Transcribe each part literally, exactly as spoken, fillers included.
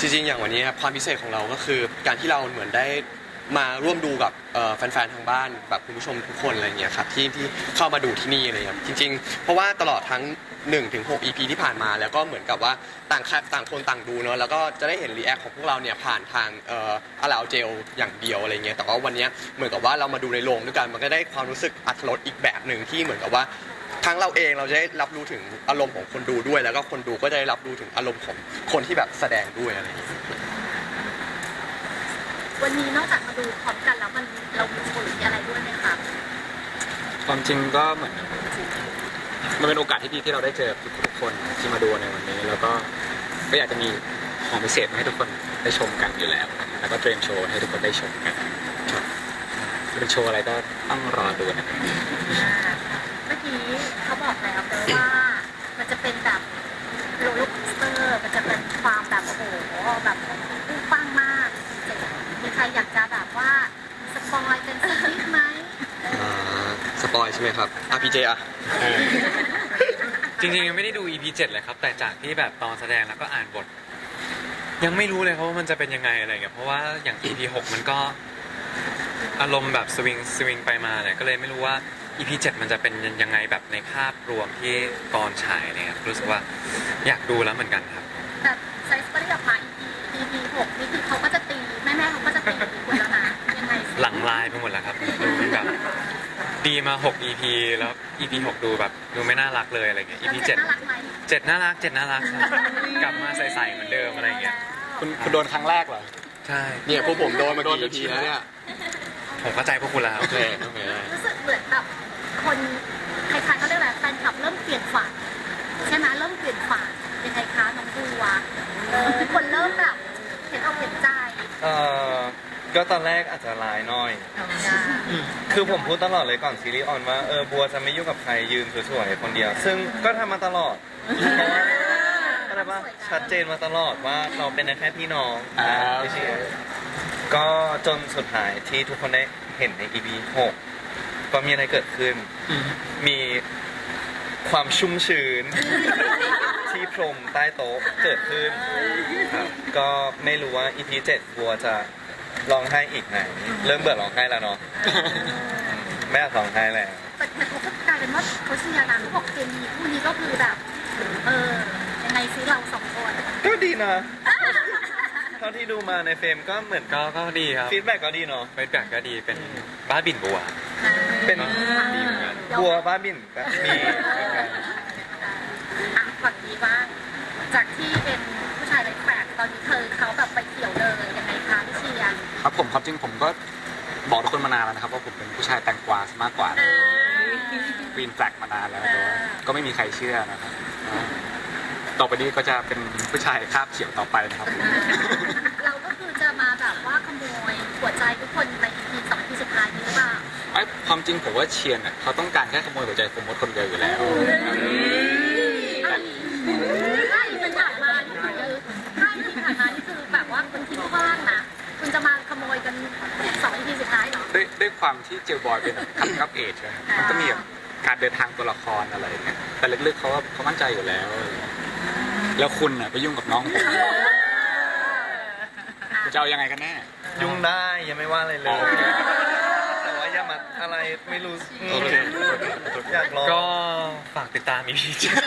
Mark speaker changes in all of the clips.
Speaker 1: ริงๆอย่างวันนี้ครับความพิเศษของเราก็คือการที่เราเหมือนได้มาร่วมดูกับแฟนๆทางบ้านแบบคุณผู้ชมทุกคนอะไรเงี้ยครับที่ที่เข้ามาดูที่นี่อะไรครับจริงๆเพราะว่าตลอดทั้งหนึ่งถึงหก อี พี ที่ผ่านมาแล้วก็เหมือนกับว่าต่างต่างคนต่างดูเนาะแล้วก็จะได้เห็นรีแอคของพวกเราเนี่ยผ่านทางเอ่ออะลาวเจลอย่างเดียวอะไรเงี้ยแต่ว่าวันนี้เหมือนกับว่าเรามาดูในโรงด้วยกันมันก็ได้ความรู้สึกอรรถรสอีกแบบหนึ่งที่เหมือนกับว่าทั้งเราเองเราจะได้รับรู้ถึงอารมณ์ของคนดูด้วยแล้วก็คนดูก็จะได้รับรู้ถึงอารมณ์ของคนที่แบบแสดงด้วยอะไรอย่างเงี้ย
Speaker 2: วันนี้นอกจากมาดูพร้อมกันแล้วมันเรามีโชว์หรืออะไรด้วยไหมคะ
Speaker 3: ความจริงก็เหมือนมันเป็นโอกาสที่ดีที่เราได้เจอทุกคนที่มาดูในวันนี้แล้วก็ก็อยากจะมีของพิเศษมาให้ทุกคนได้ชมกันอยู่แล้วแล้วก็เตรียมโชว์ให้ทุกคนได้ชมกันเป็นโชว์อะไรก็ต้องรอดูนะครับ
Speaker 2: เมื่อกี้เขาบอกแล้วแต่ว่ามันจะเป็นแบบโรลเลอร์โคสเตอร์มันจะเป็นความแบบโอ้โหแบบปุ้งปังมากมีใครอยากจะแบบว่าสปอยกันสักนิดไหม
Speaker 1: สปอยใช่ไหมครับอ่ะพีเจอ่ะ
Speaker 4: จริงๆยังไม่ได้ดู อี พี เจ็ดเลยครับแต่จากที่แบบตอนแสดงแล้วก็อ่านบทยังไม่รู้เลยครับว่ามันจะเป็นยังไงอะไรเงี้ยเพราะว่าอย่าง อี พี หกมันก็อารมณ์แบบสวิงสวิงไปมาเนี่ยก็เลยไม่รู้ว่า อี พี เจ็ดมันจะเป็นยังไงแบบในภาพรวมที่ตอนฉายเนี่ยรู้สึกว่าอยากดูแล้วเหมือนกันครับ
Speaker 2: แต่ไซส์ก็ได้ออกมา อี พี หกนี่คือเขาก็จะตีแม่ๆเขาก็จะตีคุณแล้วนะยังไง
Speaker 4: หลังลายไปหมดแล้วครับดูแบบดีมาหก อี พี แล้ว อี พี หกดูแบบดูไม่น่ารักเลยอะไรเงี้ย อี พี เจ็ด
Speaker 2: น่ารักไหม
Speaker 4: เจ็ดน่ารักเจ็ดน่ารักกลับมาใสๆเหมือนเดิมอะไรเงี้ย
Speaker 3: คุณคุณโดนครั้งแรกเหรอ
Speaker 4: ใช่
Speaker 1: เนี่ยพวกผมโดนมากี่ อี พี แล้วเนี่ย
Speaker 4: ผมเข้าใจพวกคุณแล้ว
Speaker 1: โอเคโอเค
Speaker 2: รู้สึกเหมือนแบบคนใครๆเขาเรียกอะไรแฟนคลับเริ่มเปลี่ยนฝันใช่ไหมเริ่มเปลี่ยนฝันยังไงคะน้องบัวเออคนเริ่มแบบเห็นอกเห็นใจ
Speaker 5: เออก็ตอนแรกอาจจะร้ายหน่อยคือผมพูดตลอดเลยก่อนซีรีส์ออนว่าเออบัวจะไม่ยุ่งกับใครยืนสวยๆคนเดียวซึ่งก็ทำมาตลอดอะไรปะชัดเจนมาตลอดว่าเราเป็นแค่พี่น้องไม่ใช่ก็จนสุดท้ายที่ทุกคนได้เห็นใน อี พี หกก็มีอะไรเกิดขึ้นมีความชุ่มชื้นที่พรมใต้โต๊ะเกิดขึ้นครับก็ไม่รู้ว่า อี พี เจ็ดบัวจะร้องไห้อีกไหมเริ่มเบื่อร้องไห้แล้วเนาะไม่อยากร้องไห้แล้ว
Speaker 2: แต่เขาก็กลายเป็นว่าเขาเชียร์นะเขาบอกเคมีคู่นี้ก็คือแบบเออยังไงซิเราสองคน
Speaker 5: ก็ดีนะเท่าที่ดูมาในเฟรมก็เหมือน
Speaker 4: ก็ก็ดีครับ
Speaker 5: ฟีดแบ็กก็ดีเนาะ
Speaker 4: ฟีดแบ็กก็ดีเป็นบ้าบินบัว
Speaker 5: เป็นดีเหมือนกันบัวบ้าบินแบบมีเหมือนกัน
Speaker 2: อ่ะฝั่งนี้บ้างจากที่เป็นผู้ชายไร้แฝดตอนนี้เธอเขาแบบไปเที่ยวเลยยังไงคะพี่เชียร์
Speaker 3: ครับผมครับจริงผมก็บอกทุกคนมานานแล้วนะครับว่าผมเป็นผู้ชายแตงกวาซะมากกว่าปีนแฟลกมานานแล้วแต่ว่าก็ไม่มีใครเชื่อนะครับต่อไปนี้ก็จะเป็นผู้ชายคาบเขียวต่อไปนะครับ
Speaker 2: เราก็คือจะมาแบบว่าขโมยหัวใจทุกคนใน อี พี สอง อี พี สุดท้ายนี้หรือเปล่า
Speaker 3: ไอ้ความจริงผมว่าเชียร์เนี่ยเขาต้องการแค่ขโมยหัวใจโฟมดคนเดียวอยู่แล้ว
Speaker 2: ใช่เป็นผ่านมานี่คือใช่ที่ผ่านมานี่คือแบบว่าคนที่ว่างนะคุณจะมาขโมยกันสอง อี พี สุดท้ายเหรอ
Speaker 3: ด้วยด้วยความที่เจลบอยเป็นคัมกับเอจมันก็มีการเดินทางตัวละครอะไรเนี่ยแต่ลึกๆเขาว่าเขามั่นใจอยู่แล้วแล้วคุณน่ะไปยุ่งกับน้องผมจะเอายังไงกันแน่
Speaker 5: ยุ่งได้ยังไม่ว่าอะไรเลยแต่ว่าอย่ามาอะไรไม่รู้อยากลอง
Speaker 4: ก็ฝากติดตาม อี พี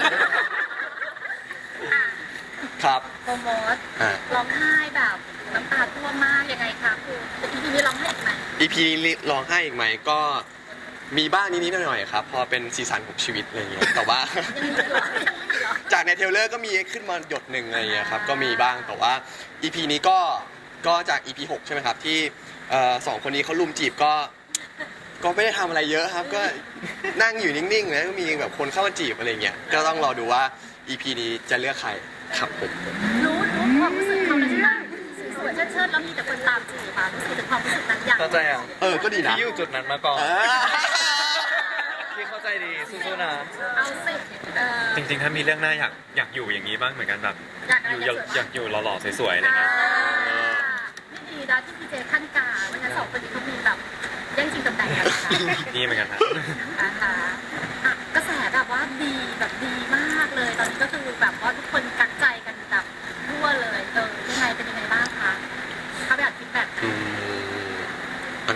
Speaker 1: ครับ
Speaker 2: โปรโมทร้องไห้แบบน้ำตาท่วมมากยังไงคะคุณอี พี นี้ร้องไห้อีกไหม
Speaker 1: อี พี นี้ร้องไห้อีกไหมก็มีบ้างนิดๆหน่อยๆครับพอเป็นซีซันของชีวิตอะไรเงี้ยแต่ว่าจากในเทรลเลอร์ก็มีขึ้นมาหยดหนึ่งอะไรเงี้ยครับก็มีบ้างแต่ว่า อี พี นี้ก็ก็จาก อี พี หกใช่ไหมครับที่สองคนนี้เขาลุมจีบก็ก็ไม่ได้ทำอะไรเยอะครับก็นั่งอยู่นิ่งๆแล้วก็มีแบบคนเข้ามาจีบอะไรเงี้ยก็ต้องรอดูว่า อี พี นี้จะเลือกใครครับผม
Speaker 2: รู้รู้ความรู้สึกเขาเลยใช่ไหมสวยเชิดๆแล้วมีแต่คนตามจีบมารู้สึกถึงความรู้สึกนั้นอย่าง
Speaker 5: เข้าใจอ่ะ
Speaker 1: เออก็ดีนะ
Speaker 5: ที่อยู่จุดนั้นมาก่อนที่เข้าใจดีสู้ๆนะ
Speaker 2: เอาสิ
Speaker 4: จริงๆถ้ามีเรื่องหน้าอยากอยากอยู่อย่างนี้บ้างเหมือนกันแบบอยู่อยากอยู่หล่อๆสวยๆอะไรเงี้ย
Speaker 2: ไม่ดีนะที่พีเจขั้นกาวันนั้นสองคนนี้เขามีแบบแย่งชิงตำแหน่งกัน
Speaker 4: ดีเหมือนกันครับ
Speaker 2: นะคะกระแสแบบว่าดีแบบดีมากเลยตอนนี้ก็คือแบบว่าทุกคนกักใจกันแบบทั่วเลยเออยังไงเป็นยังไง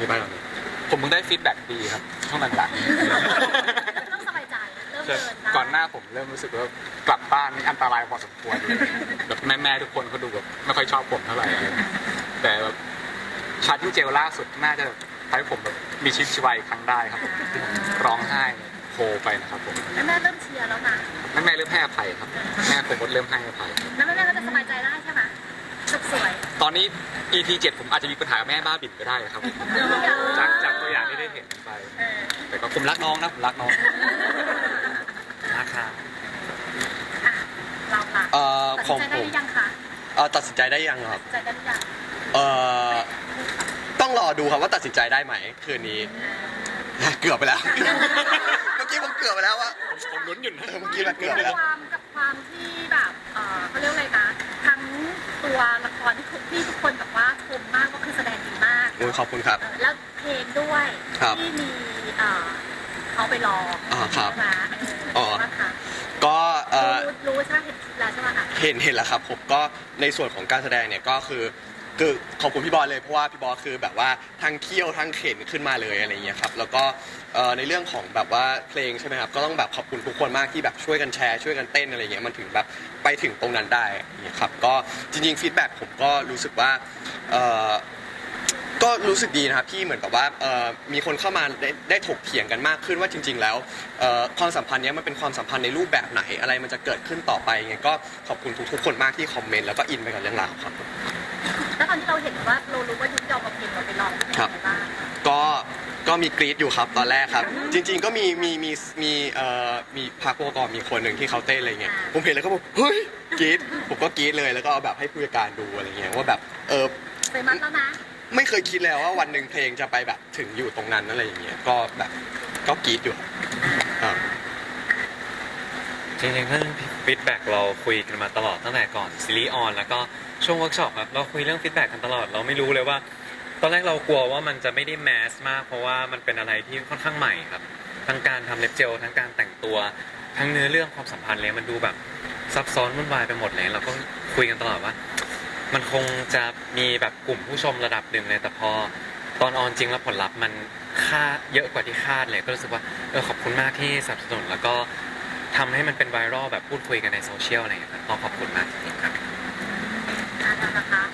Speaker 1: พี่บ้านก่อนเลย
Speaker 3: ผมเพิ่งได้ฟีดแบ็กดีครับช่วงหลัง
Speaker 2: เริ่มสบายใจเริ่ม
Speaker 3: ๆ
Speaker 2: เดินได้
Speaker 3: ก่อนหน้าผมเริ่มรู้สึกว่ากลับบ้านนี่อันตรายพอสมควรเลยแบบแม่ๆทุกคนเขาดูแบบไม่ค่อยชอบผมเท่าไหร่อะไรแต่แบบชาร์จที่เจลล่าสุดน่าจะทำให้ผมแบบมีชีวิตชีวาอีกครั้งได้ครับที่ผมร้องไห้โฮไปนะครับผม
Speaker 2: แม่แม่เริ่มเชียร์แล้วนะ
Speaker 3: แม่ๆเริ่มให้อภัยครับแม่ผมก็เริ่มให้อภัย
Speaker 2: แม่แม่แม่ก็จะสบายใจได้ใช่ไหมสุขสวย
Speaker 3: ตอนนี้ อี พี เจ็ดผมอาจจะมีปัญหากับแม่บ้าบินก็ได้ครับ จากจากตัวอย่างที่ได้เห็นไป
Speaker 2: เออ
Speaker 3: แต่ก็ผมรักน้องนะผมรักน้อง
Speaker 4: นะครับ
Speaker 2: อ่ะเราล่ะ
Speaker 1: เอ่อ
Speaker 2: ตัด
Speaker 1: ข
Speaker 2: สิ
Speaker 1: อน ง
Speaker 2: ใจ
Speaker 1: ผ
Speaker 2: ได้ห
Speaker 1: ม
Speaker 2: รือยังคะ
Speaker 1: เอ่อตัดสินใจได้ยังครับ
Speaker 2: ตัดสินใจได้หรือยัง
Speaker 1: เอ่อต้องรอดูครับว่าตัดสินใจได้ไหมคืนนี้ เกือบไปแล้ว เมื่อกี้ผมเกือบไปแล้วว่า
Speaker 3: ผมลุ้นอยู่นะ
Speaker 1: เออเมื่อกี้แบบเกือบไป
Speaker 2: กับ
Speaker 1: แล้ว
Speaker 2: ความกับความที่แบบเออเขาเรียกอะไรนะทั้งตัวละครที่ทุกที่ทุกคนแบบว่าชมมากว่าคือแสดงดีมาก
Speaker 1: โอ้ยขอบคุณครับ
Speaker 2: เออแล้วเพลงด้วย
Speaker 1: ครับ
Speaker 2: ที่มีเอ่อเขาไปร้อง
Speaker 1: อ่าครับ
Speaker 2: ใช่ไหม
Speaker 1: อ๋อ
Speaker 2: ใช่ไหมคะ
Speaker 1: ก็เอ่อ
Speaker 2: รู้รู้ใช่ไหมเห็นคลิปแล้วใช่ไหมคะ
Speaker 1: เห็นเห็นแล้วครับผมก็ในส่วนของการแสดงเนี่ยก็คือคือขอบคุณพี่บอลเลยเพราะว่าพี่บอลคือแบบว่าทั้งเคี่ยวทั้งเข็นขึ้นมาเลยอะไรเงี้ยครับแล้วก็เอ่อในเรื่องของแบบว่าเพลงใช่ไหมครับก็ต้องแบบขอบคุณทุกคนมากที่แบบช่วยกันแชร์ช่วยกันเต้นอะไรเงี้ยมันถึงแบบไปถึงตรงนั้นได้อย่างเงี้ยครับก็จริงๆฟีดแบ็กผมก็รู้สึกว่าเอ่อ ก็รู้สึกดีนะครับที่เหมือนกับว่าเอ่อมีคนเข้ามาได้ได้ถกเถียงกันมากขึ้นว่าจริง ๆ แล้วเอ่อความสัมพันธ์เนี้ยมันเป็นความสัมพันธ์ในรูปแบบไหนอะไรมันจะเกิดขึ้นต่อไปไงก็ขอบคุณทุกๆคนมากที่คอมเมนต์แล้วก็อินไปกับเรื่องราวครับ
Speaker 2: แล้วตอนที่เราเห็นว่าเรารู้ว่ายุคยอมเอาเพลงเราไปร้องเป็นยังไงบ้าง
Speaker 1: ก็ก็มีกรี๊ดอยู่ครับตอนแรกครับ จริง ๆ ก็มีมีมีมีเอ่อมีพาร์คโปรกรมีคนหนึ่งที่เขาเต้นอะไรเงี้ยผมเห็นแล้วก็บอกเฮ้ยกรี๊ดผมก็กรี๊ดเลยแล้วก็เอาแบบให้ผู้จัดการดูอะไรเงี้ยว่าแบบเออ
Speaker 2: เคยมัดแล้วนะ
Speaker 1: ไม่เคยคิดเลยว่าวันหนึ่งเพลงจะไปแบบถึงอยู่ตรงนั้นอะไรอย่างเงี้ยก็แบบก็กรี๊ดอยู่ครับอ่า
Speaker 4: จริงๆเรื่องฟีดแบ็กเราคุยกันมาตลอดตั้งแต่ก่อนซีรีส์ออนแล้วก็ช่วงเวิร์กช็อปครับเราคุยเรื่องฟีดแบ็กกันตลอดเราไม่รู้เลยว่า ตอนแรกเรากลัวว่ามันจะไม่ได้แมสมาก เพราะว่ามันเป็นอะไรที่ค่อนข้างใหม่ครับทั้งการทำเล็บเจลทั้งการแต่งตัวทั้งเนื้อเรื่องความสัมพันธ์เลยมันดูแบบซับซ้อนวุ่นวายไปหมดเลยเราก็คุยกันตลอดว่า มันคงจะมีแบบกลุ่มผู้ชมระดับหนึ่งเลยแต่พอตอนออนจริงแล้วผลลัพธ์มันคาดเยอะกว่าที่คาดเลยก็รู้สึกว่าเออขอบคุณมากที่สนับสนุนแล้วก็ทำให้มันเป็นไวรัลแบบพูดคุยกันในโซเชียลอะไรอย่างเงี้ยครับต้องขอบคุณมากจริงๆครับ
Speaker 2: อ่านะคะ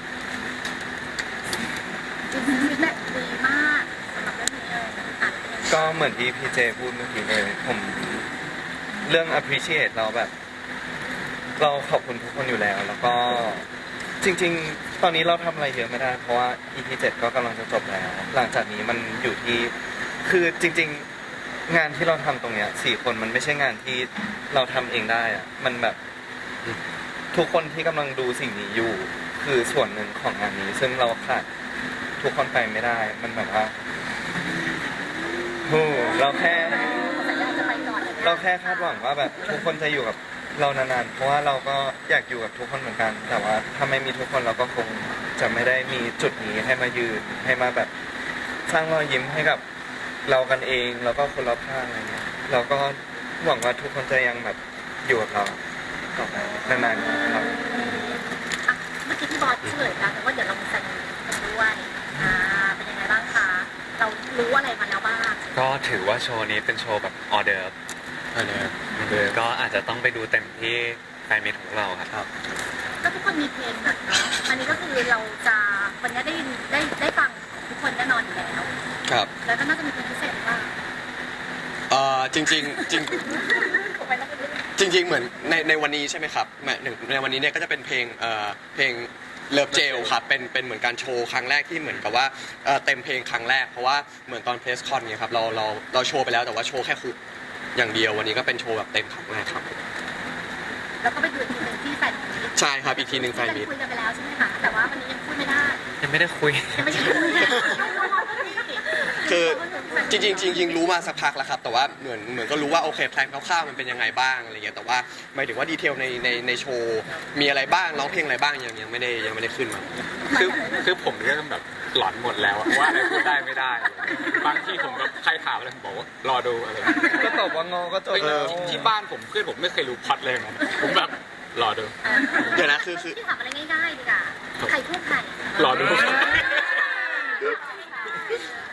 Speaker 2: จริงๆฟีดแบ็กดีมากสำหรับเรื่องนี้เลยอ่ะเป็นยังไง
Speaker 5: ก็เหมือนที่พี่เจพูดเมื่อกี้เลยผมเรื่อง appreciate เราแบบ เราขอบคุณทุกคนอยู่แล้ว แล้วก็จริง ๆ ตอนนี้เราทำอะไรเยอะไม่ได้ เพราะว่า อี พี เจ็ดก็กำลังจะจบแล้ว หลังจากนี้มันอยู่ที่คือจริง ๆงานที่เราทำตรงเนี้ยสี่คนมันไม่ใช่งานที่เราทำเองได้อะมันแบบทุกคนที่กำลังดูสิ่งนี้อยู่ คือส่วนหนึ่งของงานนี้ ซึ่งเราขาดทุกคนไปไม่ได้ มันแบบว่าโอ้เราแค่
Speaker 2: สัญญาจะไปก่อน
Speaker 5: เราแค่คาดหวังว่าแบบทุกคนจะอยู่กับเรานานๆ เพราะว่าเราก็อยากอยู่กับทุกคนเหมือนกัน แต่ว่าถ้าไม่มีทุกคนเราก็คงจะไม่ได้มีจุดนี้ให้มายืนให้มาแบบสร้างรอยยิ้มให้กับเรากันเองแล้วก็คนรอบข้างอะไรเงี้ยเราก็หวังว่าทุกคนจะยังแบบอยู่กับเราต่อไปนานๆครับ
Speaker 2: อ่ะเมื่อกี้พี่บอสเฉลยแล้วแต่ว่าเดี๋ยวเรามีแฟนกันด้วยอ่าเป็นยังไงบ้างคะ เรารู้อะไรมาแล้วบ้าง
Speaker 4: ก็ถือว่าโชว์นี้เป็นโชว์แบบออเดิร์ฟ
Speaker 1: อันเนี้ย
Speaker 4: ก็อาจจะต้องไปดูเต็มที่แฟนมิตของเราครับ
Speaker 2: ก็ทุกคนมีเพลงหมดเนาะ อันนี้ก็คือเราจะวันนี้ได้ยินได้ได้ฟังของทุกคนแน่นอนอยู่แล้ว
Speaker 1: ครับ
Speaker 2: แล้วก็น่าจะมีเพลงพิเศษบ้าง
Speaker 1: เอ่อจริงๆจริง
Speaker 2: ถูกไหมแล้วก็เรื่อง
Speaker 1: จริง ๆ เหมือนในในวันนี้ใช่ไหมครับแม่หนึ่งในวันนี้เนี่ยก็จะเป็นเพลงเอ่อเพลงเลิฟเจลครับเป็นเป็นเหมือนการโชว์ครั้งแรกที่เหมือนกับว่าเอ่อเต็มเพลงครั้งแรกเพราะว่าเหมือนตอนเพลสคอนเนี่ยครับเราเราเราโชว์ไปแล้วแต่ว่าโชว์แค่คุกอย่างเดียววันนี้ก็เป็นโชว์แบบเต็มครั้งแรกครับ
Speaker 2: แล้วก็ไปดูอีกทีหนึ่งที่แฟนมีต
Speaker 1: ใช่ครับอีกทีหนึ่งแฟนมิต
Speaker 2: คุยกันไปแล้วใช่ไหมคะ แต่ว่าวันนี้ยังพูดไม่ได้
Speaker 4: ยังไม่ได้คุย
Speaker 2: ยังไม่ใช่คุย
Speaker 1: คือจริงๆจริงๆรู้มาสักพักแล้วครับแต่ว่าเหมือนเหมือนก็รู้ว่าโอเคแพลนคร่าวๆมันเป็นยังไงบ้างอะไรเงี้ยแต่ว่าหมายถึงว่าดีเทลในในในโชว์มีอะไรบ้างร้องเพลงอะไรบ้างยังยังไม่ได้ยังไม่ได้ขึ้นมา
Speaker 3: คือคือผมเริ่มแบบหลอนหมดแล้วอะว่าอะไรพูดได้ไม่ได้อะไรบางที่ผมแบบใครถามอะไรผมบอกว่ารอดูอะไร
Speaker 5: ก็ตอบว่างอก็จบ
Speaker 3: เฮ้ย
Speaker 5: แล้ว
Speaker 3: ที่บ้านผมเพื่อนผมไม่เคยรู้พล็อดเลยนะผมแบบรอดู
Speaker 1: เดี๋ยวนะคือคือ
Speaker 2: ที่ถามอะไรง่ายๆดีกว่าไข่ทั่วไข่
Speaker 3: รอดู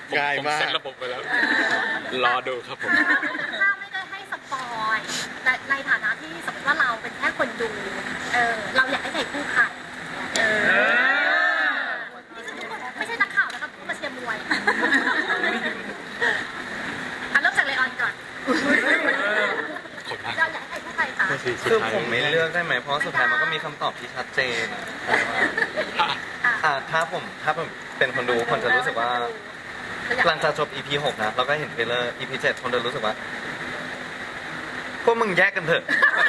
Speaker 1: ง่าย
Speaker 3: ผม
Speaker 1: มาก
Speaker 3: เซ็ตระบบไปแล้ว รอดูครับผม
Speaker 2: ถ้าไม่ได้ให้สปอยในในฐานะที่สมมติว่าเราเป็นแค่คนดู เออ เราอยากให้ใครคู่ใครเออนี่คือทุกคนไม่ใช่นักข่าวนะครับผู้มาเชียร์มวยอ่ะเริ่มจากเลออนก่อน
Speaker 3: ขอบคุณมาก
Speaker 2: เราอยากให้ใครคู่ใครคะ
Speaker 5: คือผมไม่เลือกได้ไหมเพราะสุดท้ายมันก็มีคำตอบที่ชัดเจนอ่ะถ้าผมถ้าผมเป็นคนดูคนจะรู้สึกว่า หลังจากจบ อี พี หกนะเราก็เห็นเทรลเลอร์ อี พี เจ็ดคนจะรู้สึกว่าพวกมึงแยกกันเถอะ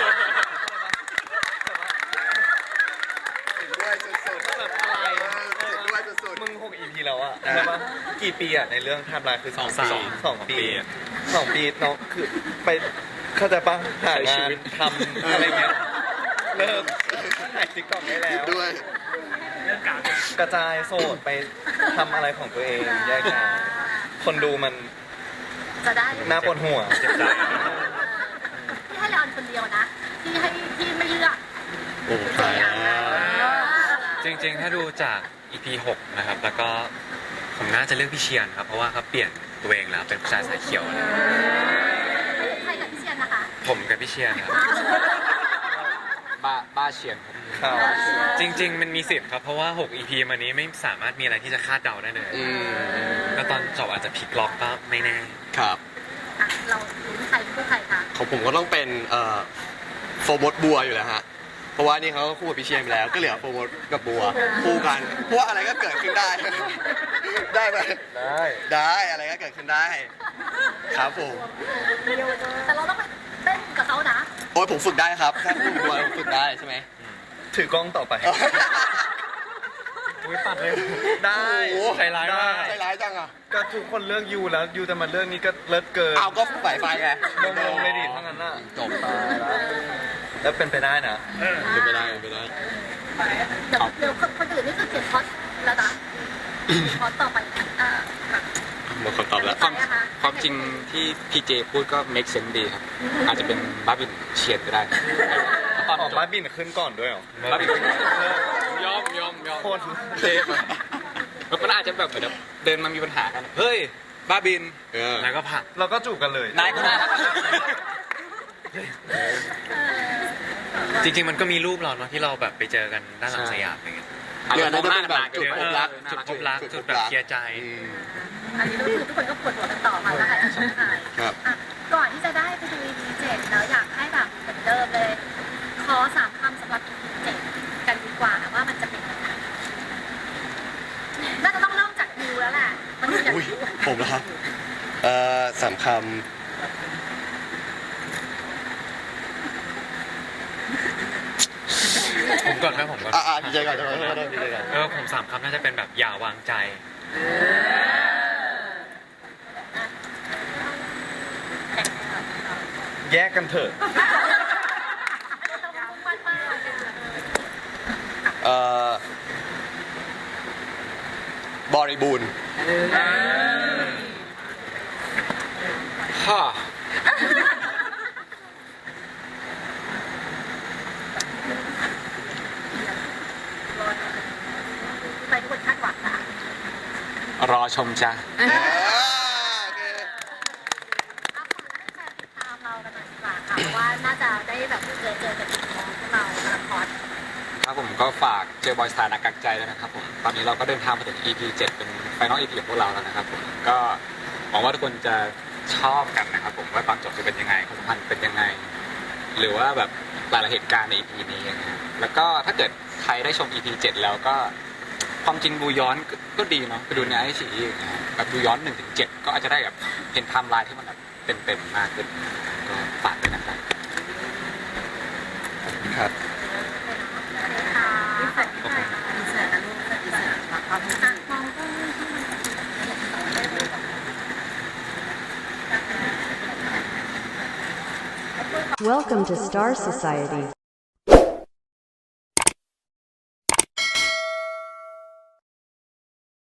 Speaker 1: ด้วยสุดๆ
Speaker 5: แบบอะไร
Speaker 1: ด้วยสุด
Speaker 5: มึงหก อี พี แล้วอะใช่ปะกี่ปีอะในเรื่องไทม์ไลน์คือสอง
Speaker 3: สอง
Speaker 5: ปี
Speaker 3: ปี
Speaker 5: สองปี
Speaker 3: สองปีอะ
Speaker 5: สองปีน้องคือไปเข้าใจปะหา
Speaker 3: ใช้ชี
Speaker 5: งาน
Speaker 3: วิต
Speaker 5: ทำอะไรเงี้ยเลิกถ่ายติ๊กต็อกได้แล้ว
Speaker 1: ๆด้วย
Speaker 5: กระจายโสดไปทำอะไรของตัวเองแยกย้ายคนดูมัน
Speaker 2: จะได้
Speaker 5: น่าปวดหัว
Speaker 3: เจ็บใจ
Speaker 2: ที่ให้เลออนคนเดียวนะ ที่ให้ที่ไม่เลือก
Speaker 1: โอ้ตายแล้ว
Speaker 4: จริงๆ ถ้าดูจาก อี พี หกนะครับ แล้วก็ผมน่าจะเลือกพี่เชียนครับ เพราะว่าเขาเปลี่ยนตัวเองแล้วเป็นผู้ชายสายเขียวแล้ว
Speaker 2: ใครกับพี่เชียนนะคะ
Speaker 4: ผมกับพี่เชียนครับ
Speaker 3: บ้าบ้าเชียนครับ
Speaker 5: ครับ
Speaker 4: จริง ๆ มันมีสิทธิ์ครับ เพราะว่า หก อี พี มานี้ไม่สามารถมีอะไรที่จะคาดเดาได้เลย
Speaker 1: อืม
Speaker 4: แล้วตอนจบอาจจะพลิกล็อกก็ไม่แน่
Speaker 1: ครับ
Speaker 2: อ่ะเราลุ้นใครคู่ใครคะ
Speaker 1: ของผมก็ต้องเป็นเอ่อโฟร์มดบัวอยู่แล้วฮะ เพราะว่านี่เขาก็คู่กับพี่เชียร์ไปแล้ว ก็เหลือโฟร์มดกับบัวคู่กัน เพราะว่าอะไรก็เกิดขึ้นได้ ได้ไหม
Speaker 5: ได้
Speaker 1: ได้อะไรก็เกิดขึ้นได้ ครับผม
Speaker 2: แต่เราต้องไปเต้นกับเขานะ
Speaker 1: โอ้ยผมฝึกได้ครับแค่คู่กับบัวผมฝึกได้ใช่ไหม
Speaker 5: ถือกล้องต่อไป
Speaker 4: อุ้ยปัดเลย
Speaker 5: ได้
Speaker 1: โอ้โห
Speaker 4: ใจร้ายมาก
Speaker 1: ใจร้ายจังอ่ะ
Speaker 5: ก็ทุกคนเลือกยูแล้วยูจะมาเลือกนี้ก็เลิศเกิน
Speaker 1: เอาก็ฝ่ายไฟไง
Speaker 5: ลงลงเลยดิทั้งนั้นน่ะ
Speaker 1: จบ
Speaker 5: ตายแล้วแล้วเป็นไปได้นะ
Speaker 1: เป็นไปได้เป็นไปได้
Speaker 2: เดี๋ยวเดี๋ยวคนคนอื่นนี่คือเขียนพอดแล้วนะพอดต่อไปอ่า
Speaker 1: หมดคนตอบแล้ว
Speaker 3: ความความจริงที่พีเจพูดก็ make sense ดีครับ อาจจะเป็นบ้าบินเชียนก็ได้ตอน
Speaker 5: ออก
Speaker 3: จ
Speaker 5: มา
Speaker 3: บ
Speaker 5: บินขึ้นก่อนด้วยเหรอ
Speaker 3: บ้าบินยอมยอมยอม
Speaker 5: โคตร
Speaker 3: เทปอะแล้วมันอาจจะแบบเหมือนแบบเดินมามีปัญหากัน เฮ้ย บ้าบิน
Speaker 1: เออ
Speaker 4: แล้วก็ผลัก
Speaker 5: เราก็จูบกันเลย
Speaker 3: นายก็น่ารัก
Speaker 4: จริงๆ มันก็มีรูปเราเนาะที่เราแบบไปเจอกันด้านหลังสยามอะไรเงี้ย
Speaker 1: เรือนั้นจะเป็นแบบจุดพบรัก
Speaker 4: จุดพบรักจุดแบบเคลียร์ใจ
Speaker 1: อืม
Speaker 2: อันนี้ก็คือทุกคนก็ปวดหัวกันต่อมาแล้วใครจะชนะใคร
Speaker 1: ครับ
Speaker 2: อ่ะก่อนที่จะได้ไปดู อี พี เจ็ดแล้วอยากให้แบบเหมือนเดิมเลย ขอสามคำสำหรับ อี พี เจ็ดกันดีกว่าว่ามันจะเป็นยังไงน่าจะต้องเริ่มจากดิวแล้วแหละมันอยาก
Speaker 1: อุ้ย
Speaker 2: รู้
Speaker 1: ผมนะครับ เอ่อสามค
Speaker 4: ผมก่อนครับผมก่อน
Speaker 1: ำอ่าอ่าดีใจก่อนดีใจก่อนดีใจก่อน
Speaker 4: เออผมสามคำน่าจะเป็นแบบอย่าวางใจ
Speaker 5: แยกกันเถอะ
Speaker 1: เอ่อบริบูรณ์
Speaker 3: ฮ่า
Speaker 2: ไปทุกคนคาดหวังค่ะ
Speaker 3: รอชมจ้ะ
Speaker 1: อ่าโอเค
Speaker 2: เอาฝากให้แฟนติดตามเรากันหน่อยดีกว่าค่ะเพราะว่าน่าจะได้แบบเจอเจอกันอีกน้องพวกเราละคร
Speaker 3: ครับผมก็ฝากเจอบอยสถานะกักใจแล้วนะครับผม ตอนนี้เราก็เดินทางมาถึง อี พี เจ็ด เป็นไฟนอล อี พี ของพวกเราแล้วนะครับผม ก็หวังว่าทุกคนจะชอบกันนะครับผมว่าตอนจบจะเป็นยังไงความสัมพันธ์เป็นยังไง หรือว่าแบบหลายๆเหตุการณ์ใน อี พี นี้นะครับแล้วก็ถ้าเกิดใครได้ชม อี พี เจ็ด แล้วก็ความจริงดูย้อนก็ก็ดีเนาะไปดูในไอซีแบบดูย้อนหนึ่งถึงเจ็ดก็อาจจะได้แบบเห็นไทม์ไลน์ที่มันแบบเต็มๆมากขึ้นก็ฝากด้วยนะครับ
Speaker 1: ครับ
Speaker 2: ค่ะขอบคุณค่ะดีเสิร์ตนะลูกดีเสิร์ตขอบคุณค่ะมองก็
Speaker 6: Welcome to Star Society.